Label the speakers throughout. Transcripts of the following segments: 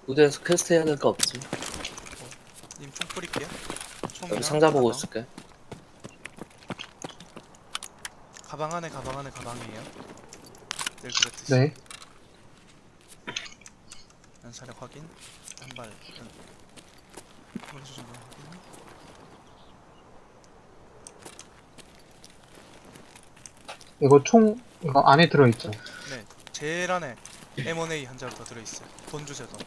Speaker 1: 무대에서 퀘스트 해야 될 거 없지.
Speaker 2: 님 총 뿌릴게요. 총이랑
Speaker 1: 여기 상자 보고
Speaker 2: 가방.
Speaker 1: 있을게.
Speaker 2: 가방 안에 가방이에요. 늘 그랬듯이.
Speaker 3: 네.
Speaker 2: 연사력 확인. 한발 머리 정도 확인.
Speaker 3: 이거 안에 들어있죠?
Speaker 2: 네, 제일 안에 M1A 한 자루 더 들어있어요. 돈 주세요, 돈.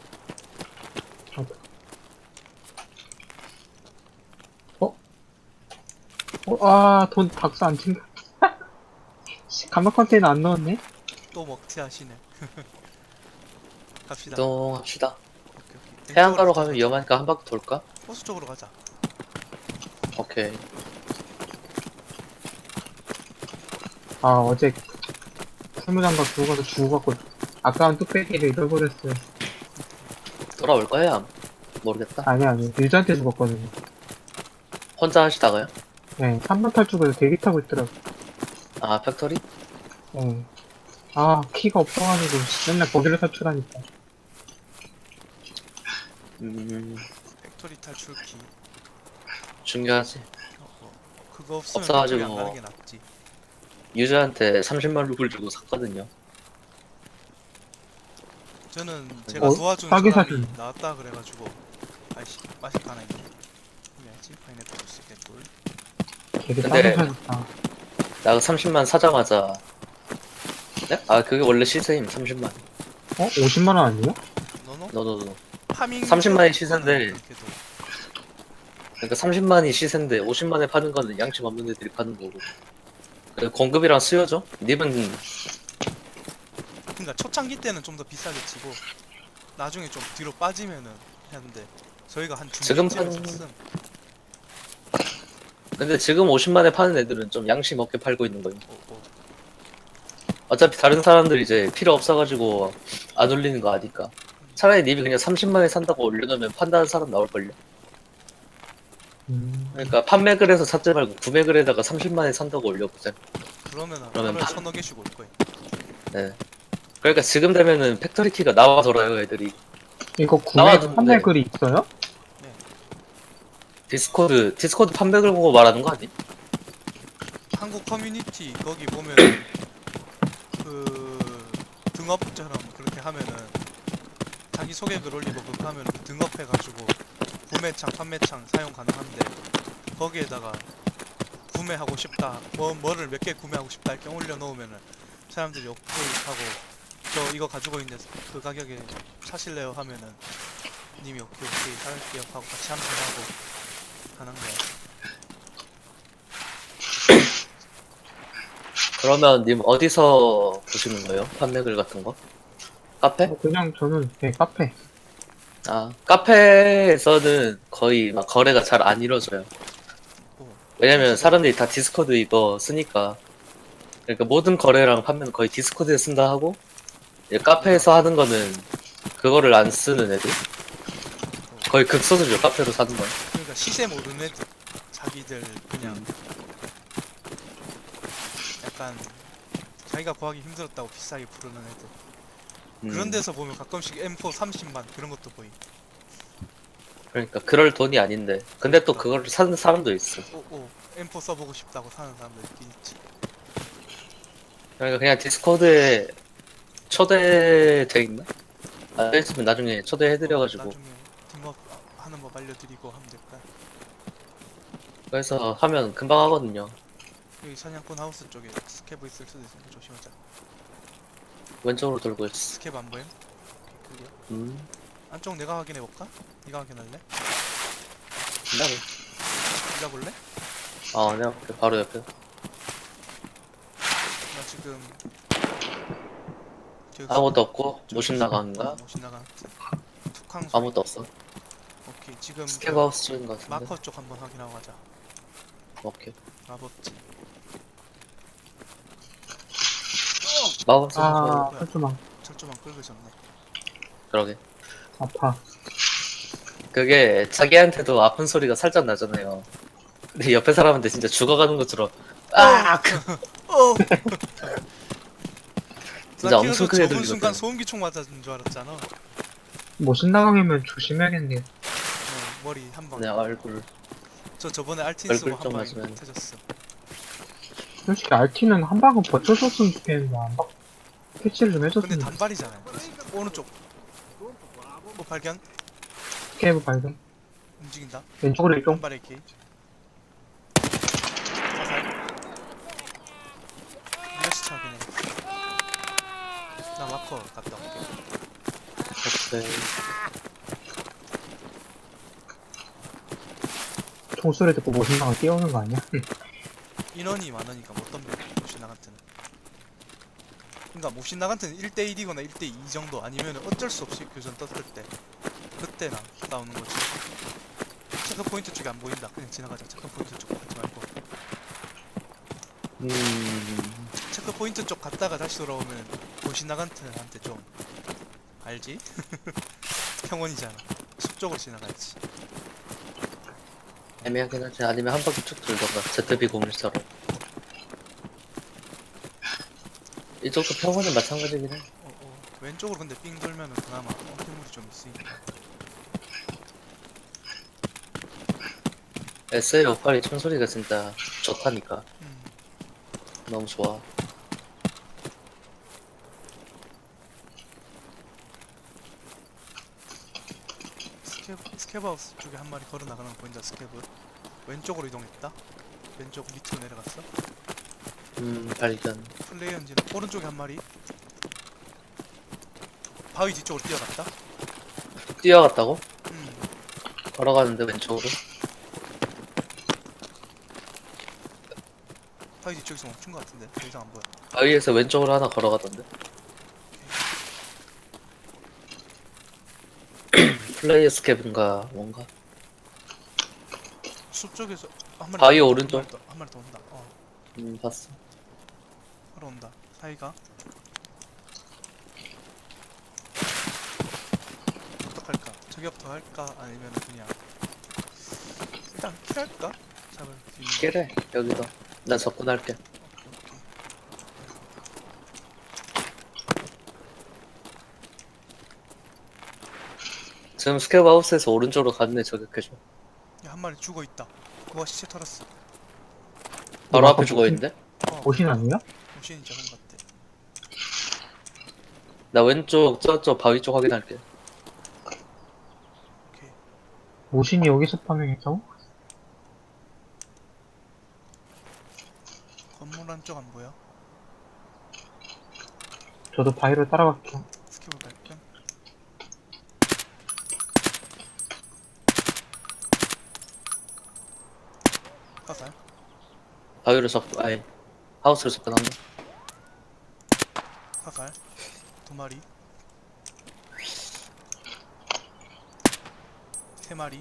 Speaker 3: 돈 박스 안 챙겨. 감막 컨테이너 안 넣었네?
Speaker 2: 또 먹튀 하시네. 갑시다.
Speaker 1: 이동합시다.
Speaker 2: 오케이, 오케이.
Speaker 1: 해안가로
Speaker 2: 왼쪽으로
Speaker 1: 가면 위험하니까 한 바퀴 돌까?
Speaker 2: 호수 쪽으로 가자.
Speaker 1: 오케이.
Speaker 3: 어제 풀무장갑 두고 가서 죽어갖고 아까운 뚝배기를 잃어버렸어요.
Speaker 1: 돌아올 거야? 모르겠다.
Speaker 3: 아니. 유저한테 죽었거든요.
Speaker 1: 혼자 하시다가요?
Speaker 3: 네, 3번 탈출구에서 대기 타고 있더라고.
Speaker 1: 아, 팩토리?
Speaker 3: 네. 키가 없어가지고 맨날 거기를 탈출하니까.
Speaker 2: 팩토리 탈출키.
Speaker 1: 중요하지.
Speaker 2: 그거 없으면
Speaker 1: 없어가지고.
Speaker 2: 팩토리 안 가는 게 낫지.
Speaker 1: 유저한테 30만 루블 주고 샀거든요.
Speaker 2: 저는 제가 도와준
Speaker 3: 싸게
Speaker 2: 사람이
Speaker 3: 사긴.
Speaker 2: 나왔다 그래가지고 아이씨 맛있다 하나 있네. 해야지. 파인애플 주스 개꿀.
Speaker 3: 되게
Speaker 1: 근데-
Speaker 3: 싸게 사줬다.
Speaker 1: 나 30만 사자마자. 네? 아, 그게 원래 시세임, 30만.
Speaker 3: 50만원 아니에요?
Speaker 2: 너너?
Speaker 1: 너너너.
Speaker 2: 파밍
Speaker 1: 30만이 시세인데.
Speaker 2: 그렇게도.
Speaker 1: 그러니까 30만이 시세인데 50만에 파는 거는 양심 없는 애들이 파는 거고. 그리고 공급이랑 수요죠? 님은
Speaker 2: 그러니까 초창기 때는 좀 더 비싸게 치고 나중에 좀 뒤로 빠지면은 했는데 저희가 한
Speaker 1: 지금
Speaker 2: 중간쯤에
Speaker 1: 판-
Speaker 2: 샀음.
Speaker 1: 근데 지금 50만에 파는 애들은 좀 양심 없게 팔고 있는 거예요.
Speaker 2: 오.
Speaker 1: 어차피 다른 사람들 이제 필요 없어가지고 안 올리는 거 아니까. 차라리 님이 그냥 30만에 산다고 올려놓으면 판다는 사람 나올걸요. 그러니까 판매글 해서 샀지 말고 구매글 에다가 30만에 산다고 올려보자.
Speaker 2: 그러면
Speaker 1: 그러면
Speaker 2: 하루에 1,000여 개씩 올 거예요.
Speaker 1: 네. 그러니까 지금 되면은 팩토리 키가 나와 돌아요 애들이.
Speaker 3: 이거 구매
Speaker 1: 나와도
Speaker 3: 판매
Speaker 1: 네.
Speaker 3: 글이 있어요?
Speaker 1: 디스코드 판매글 보고 말하는 거 아니?
Speaker 2: 한국 커뮤니티 거기 보면 그 등업처럼 그렇게 하면은 자기 소개글 올리고 그거 하면 그 등업해가지고 구매창, 판매창 사용 가능한데 거기에다가 구매하고 싶다, 뭐를 몇 개 구매하고 싶다 이렇게 올려놓으면은 사람들이 오케이 하고 저 이거 가지고 있는데 그 가격에 사실래요 하면은 님이 오케이 살게요 하고 같이 함정하고 하는 거야.
Speaker 1: 그러면 님 어디서 보시는 거예요? 판매글 같은 거? 카페?
Speaker 3: 그냥 저는 카페.
Speaker 1: 아, 카페에서는 거의 막 거래가 잘 안 이루어져요.
Speaker 2: 오,
Speaker 1: 왜냐면 사람들이 다 디스코드 이거 쓰니까. 그러니까 모든 거래랑 판매는 거의 디스코드에 쓴다 하고, 이제 카페에서 하는 거는 그거를 안 쓰는 애들. 거의 극소수죠, 카페로 사는 건.
Speaker 2: 그러니까 시세 모르는 애들 자기들 그냥 약간 자기가 구하기 힘들었다고 비싸게 부르는 애들. 그런 데서 보면 가끔씩 M4 30만 그런 것도 보이.
Speaker 1: 그러니까 그럴 돈이 아닌데. 근데 또 그걸 사는 사람도 있어.
Speaker 2: 오, M4 써보고 싶다고 사는 사람들 있긴 있지.
Speaker 1: 그러니까 그냥 디스코드에 초대돼 있나? 안 됐으면 나중에 초대해드려가지고.
Speaker 2: 나중에 팀업 하는 법 알려드리고 하면 될까?
Speaker 1: 그래서 하면 금방 하거든요.
Speaker 2: 여기 사냥꾼 하우스 쪽에 스캐브 있을 수도 있으니까 조심하자.
Speaker 1: 왼쪽으로 돌고 있어.
Speaker 2: 스캐브 안 보임? 오케이, 클리어.
Speaker 1: 음.
Speaker 2: 안쪽 내가 확인해볼까? 네가 확인할래?
Speaker 1: 나도.
Speaker 2: 네가 볼래?
Speaker 1: 내가 볼게. 바로 옆에.
Speaker 2: 나 지금 저기
Speaker 1: 아무것도 없고,
Speaker 2: 저기
Speaker 1: 모신 나간가?
Speaker 2: 모신 나간 툭항 소리.
Speaker 1: 아무것도 없어.
Speaker 2: 오케이, 지금
Speaker 1: 스케브 하우스 쪽인 것 같은데.
Speaker 2: 마커 쪽 한번 확인하고 가자.
Speaker 1: 오케이.
Speaker 2: 마법지.
Speaker 1: 마법 쓰는
Speaker 3: 설주망.
Speaker 2: 철조망 긁으셨네.
Speaker 1: 그러게.
Speaker 3: 아파.
Speaker 1: 그게 자기한테도 아픈 소리가 살짝 나잖아요. 근데 옆에 사람한테 진짜 죽어가는 것처럼 아! 진짜
Speaker 2: 나
Speaker 1: 엄청
Speaker 2: 그래서
Speaker 1: 크게
Speaker 2: 저번 순간
Speaker 1: 들리거든.
Speaker 2: 소음기총 맞았는 줄 알았잖아.
Speaker 3: 모신 나가면 조심해야겠네요.
Speaker 2: 머리 한 방.
Speaker 1: 내 얼굴
Speaker 2: 저 저번에 알틴 쓰고
Speaker 1: 얼굴 좀
Speaker 2: 한 방에
Speaker 1: 맞으면.
Speaker 2: 터졌어.
Speaker 3: 솔직히 RT는 한 방은 버텨줬으면 좋겠는데, 안 박, 캐치를 좀
Speaker 2: 근데
Speaker 3: 해줬으면 좋겠어.
Speaker 2: 단발이잖아요. 오른쪽. 뭐 발견?
Speaker 3: 스케이브 발견.
Speaker 2: 움직인다.
Speaker 3: 왼쪽으로 이동.
Speaker 2: 단발 AK. 자살. 몇시차 그냥. 나 마커 갔다 올게.
Speaker 1: 오케이.
Speaker 3: 총소리 듣고 모신 나가 뛰어오는 거 아니야?
Speaker 2: 인원이 많으니까 못 덤벼. 몹신 나간테는. 그러니까 몹신 나간테는 1대1이거나 1대2 정도 아니면 어쩔 수 없이 교전 떴을 때 그때나 싸우는 거지. 체크 포인트 쪽이 안 보인다. 그냥 지나가자. 체크 포인트 쪽 가지 말고. 체크 포인트 쪽 갔다가 다시 돌아오면 몹신 나간테한테 좀 알지? 평원이잖아. 숲 쪽으로 지나가야지.
Speaker 1: 애매하긴 하지. 아니면 한 바퀴 쭉 돌던가. ZB014로. 이쪽도 평원은 마찬가지긴 해.
Speaker 2: 왼쪽으로 근데 삥 돌면은 그나마 어깨물이 좀 있으니까.
Speaker 1: SA58이 총소리가 진짜 좋다니까.
Speaker 2: 음.
Speaker 1: 너무 좋아.
Speaker 2: 스케브하우스 쪽에 한 마리 걸어 나가는 거 보인다. 스케브 왼쪽으로 이동했다. 왼쪽 밑으로 내려갔어.
Speaker 1: 발견.
Speaker 2: 플레이 엔진은 오른쪽에 한 마리. 바위 뒤쪽으로 뛰어갔다.
Speaker 1: 뛰어갔다고?
Speaker 2: 음.
Speaker 1: 걸어가는데 왼쪽으로?
Speaker 2: 바위 뒤쪽에서 멈춘 것 같은데 더 이상 안 보여.
Speaker 1: 바위에서 왼쪽으로 하나 걸어가던데? 플레이 스캡인가 뭔가?
Speaker 2: 숲 쪽에서 한 마리
Speaker 1: 바위
Speaker 2: 더,
Speaker 1: 오른쪽.
Speaker 2: 한 마리 더 온다.
Speaker 1: 봤어.
Speaker 2: 바로 온다. 사이가 어떡할까? 저격더 할까? 아니면 그냥 일단 킬할까? 잡을 수 있는 거.
Speaker 1: 깨래 여기서. 나 접근할게.
Speaker 2: 오케이.
Speaker 1: 지금 스캡 하우스에서 오른쪽으로 가는 애 저격해줘.
Speaker 2: 야, 한 마리 죽어 있다. 그거 시체 털었어.
Speaker 1: 바로
Speaker 3: 어,
Speaker 1: 앞에 죽어있는데?
Speaker 3: 모신 아니야?
Speaker 2: 모신이죠, 형 같아.
Speaker 1: 나 왼쪽 저쪽 바위 쪽 확인할게.
Speaker 2: 오케이.
Speaker 3: 모신이 여기서 파밍했다고?
Speaker 2: 건물 안쪽 안 보여?
Speaker 3: 저도 바위를 따라갈게요.
Speaker 2: 스킵을 발견. 화살.
Speaker 1: 바위로 접근, 아니 하우스로 접근한다.
Speaker 2: 화살. 두 마리. 세 마리.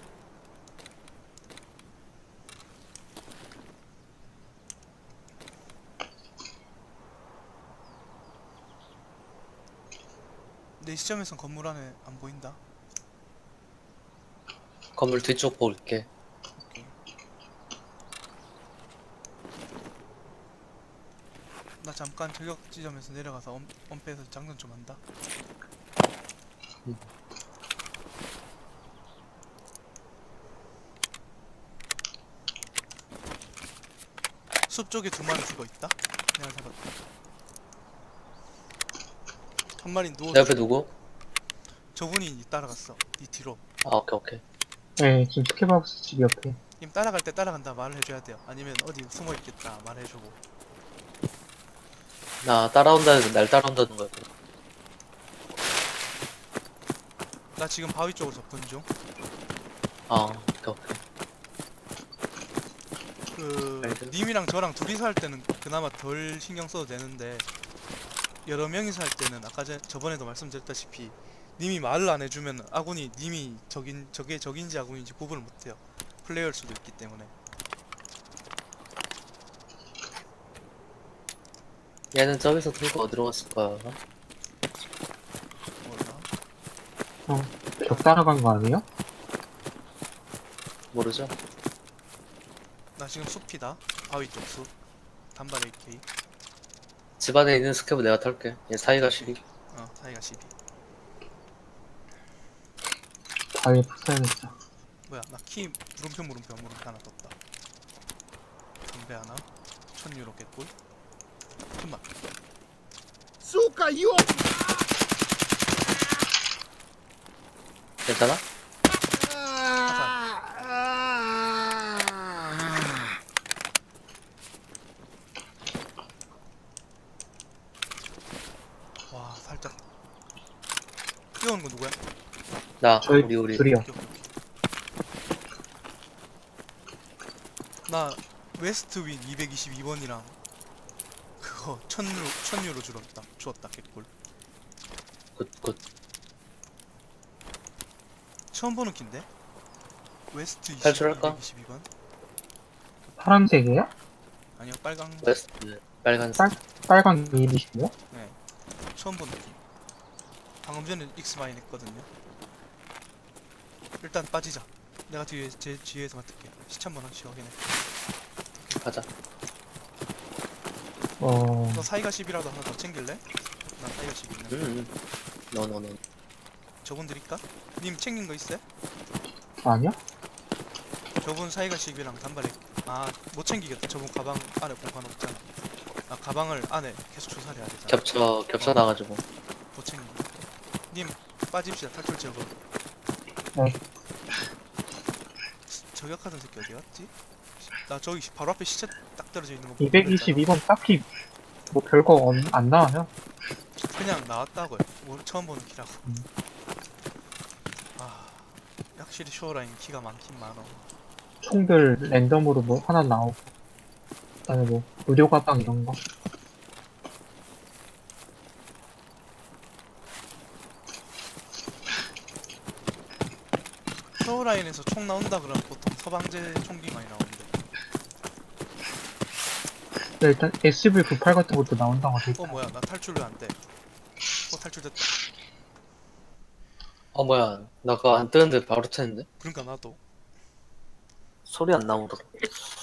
Speaker 2: 내 시점에선 건물 안에 안 보인다.
Speaker 1: 건물 뒤쪽 볼게.
Speaker 2: 오케이. 나 잠깐 저격 지점에서 내려가서 엄폐해서 장전 좀 한다. 숲 쪽에 두 마리 죽어 있다. 내가 잡았다. 한 마리 누워.
Speaker 1: 내 옆에 누구?
Speaker 2: 저분이 니 따라갔어. 니 뒤로.
Speaker 1: 아 오케이 오케이.
Speaker 3: 네, 지금 스케이브하우스 집 옆에.
Speaker 2: 님 따라갈 때 따라간다 말을 해줘야 돼요. 아니면 어디 숨어 있겠다 말해주고.
Speaker 1: 나 따라온다는 날 따라온다는 거야.
Speaker 2: 나 지금 바위 쪽으로 접근 중.
Speaker 1: 아 오케이 오케이. 알겠어.
Speaker 2: 님이랑 저랑 둘이서 할 때는 그나마 덜 신경 써도 되는데 여러 명이서 할 때는 아까 저번에도 말씀드렸다시피 님이 말을 안 해주면 아군이 님이 저게 적인지 아군인지 구분을 못해요. 플레이어일 수도 있기 때문에.
Speaker 1: 얘는 저기서 들고 어디로 갔을 거야?
Speaker 2: 몰라.
Speaker 3: 벽 따라간 거 아니에요?
Speaker 1: 모르죠?
Speaker 2: 나 지금 숲이다. 바위 쪽 숲. 단발 AK.
Speaker 1: 집 안에 있는 스캡은 내가 탈게. 얘 사이가 12.
Speaker 2: 사이가 12.
Speaker 3: 바위에 붙어야겠다.
Speaker 2: 뭐야 나 키 물음표 하나 떴다. 담배 하나 1000유로 깼고 잠깐만
Speaker 4: Сука, ёб!
Speaker 1: 괜찮아?
Speaker 2: 와 살짝 뛰어오는 거 누구야?
Speaker 1: 나
Speaker 3: 저희
Speaker 1: 우리
Speaker 3: 둘이요.
Speaker 2: 오케이, 오케이, 오케이. 나 웨스트 윙 222번이랑 그거 1000유로 주었다 개꿀.
Speaker 1: 굿굿.
Speaker 2: 처음 보는 킨데? 웨스트
Speaker 1: 탈출할까?
Speaker 2: 222번?
Speaker 3: 파란색이에요?
Speaker 2: 아니요 빨강.
Speaker 1: 웨스트 빨간색.
Speaker 3: 빨간 220이요?
Speaker 2: 네 처음 보는 킨. 방금 전에 익스마인 했거든요. 일단 빠지자. 내가 제 뒤에서 맡을게. 시체 한번 확실히 확인해.
Speaker 1: 가자.
Speaker 2: 너 사이가 10이라도 하나 더 챙길래? 나 사이가 10 있네.
Speaker 1: 노노노.
Speaker 2: 저분 드릴까? 님 챙긴 거 있어요?
Speaker 3: 아니요?
Speaker 2: 저분 사이가 10이랑 단발에 못 챙기겠다. 저분 가방 안에 공간 없잖아. 가방을 안에 계속 조사를 해야 되잖아.
Speaker 1: 겹쳐 나가지고.
Speaker 2: 못 챙긴 거. 님 빠집시다. 탈출 제거.
Speaker 3: 네.
Speaker 2: 저격하던 새끼 어디 갔지? 나 저기 바로 앞에 시체 딱 떨어져 있는 거 보고
Speaker 3: 222번 딱히 뭐 별거 안 나와요.
Speaker 2: 그랬잖아. 그냥 나왔다고요. 처음 보는 키라고. 확실히 쇼어라인 키가 많긴 많어.
Speaker 3: 총들 랜덤으로 뭐 하나 나오고. 그다음에 뭐 의료 가방 이런 거.
Speaker 2: 쇼어라인에서 총 나온다 그러면 보통 서방제 총기 많이 나오는데.
Speaker 3: 네, 일단 SCV-98 같은 것도 나온다고 하더라고요.
Speaker 2: 뭐야 나 탈출 왜 안 돼? 탈출됐다.
Speaker 1: 뭐야, 나 그거 안 뜨는데 바로 쳤는데?
Speaker 2: 그러니까 나도.
Speaker 1: 소리 안 나오더라.